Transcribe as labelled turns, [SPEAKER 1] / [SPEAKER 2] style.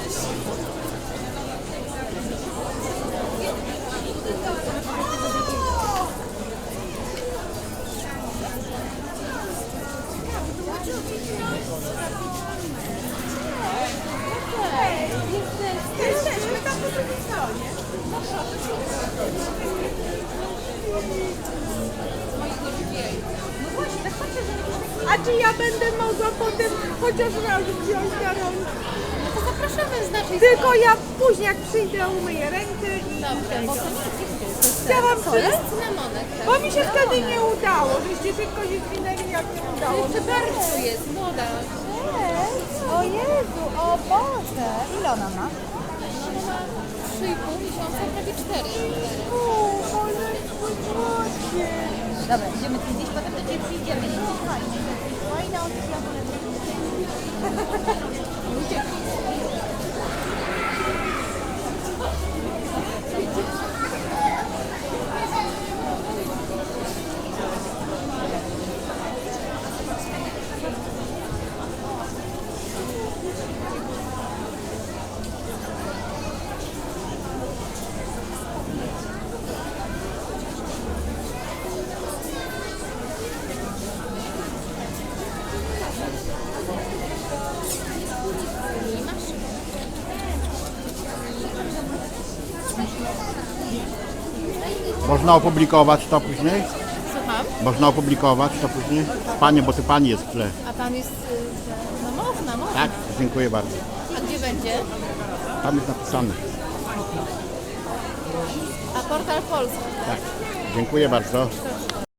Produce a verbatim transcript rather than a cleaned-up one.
[SPEAKER 1] Jesteśmy tam po drugiej stronie. No właśnie, tak patrzę, że nie. A czy ja będę mogła potem chociaż raz wziąć na rączkę?
[SPEAKER 2] No to zapraszamy z naszej
[SPEAKER 1] Tylko ja później jak przyjdę umyję rękę i
[SPEAKER 2] Dobrze, bo to nie jest gifty.
[SPEAKER 1] chciałam
[SPEAKER 2] To
[SPEAKER 1] przy...
[SPEAKER 2] jest cynamonek. Tak?
[SPEAKER 1] Bo mi się wtedy nie udało, żeście szybko się zwinęli jak nie udało.
[SPEAKER 2] Jeszcze bardzo jest młoda.
[SPEAKER 3] Cześć! O Jezu, o Boże! Ile ona ma?
[SPEAKER 2] No ma trzy i pół miesiąca, prawie cztery.
[SPEAKER 1] O, ale słodzie.
[SPEAKER 3] Dobra, idziemy tu gdzieś, potem do Ciebie przyjdziemy. Nie jest fajnie. Fajna opcja, ale
[SPEAKER 4] Można opublikować to później?
[SPEAKER 2] Słucham?
[SPEAKER 4] Można opublikować to później? Panie, bo ty pani jest w tle.
[SPEAKER 2] A pan jest... y, No można, można.
[SPEAKER 4] Tak? Dziękuję bardzo.
[SPEAKER 2] A gdzie będzie?
[SPEAKER 4] Tam jest napisane.
[SPEAKER 2] A portal polski.
[SPEAKER 4] Tak. Dziękuję bardzo.
[SPEAKER 2] Proszę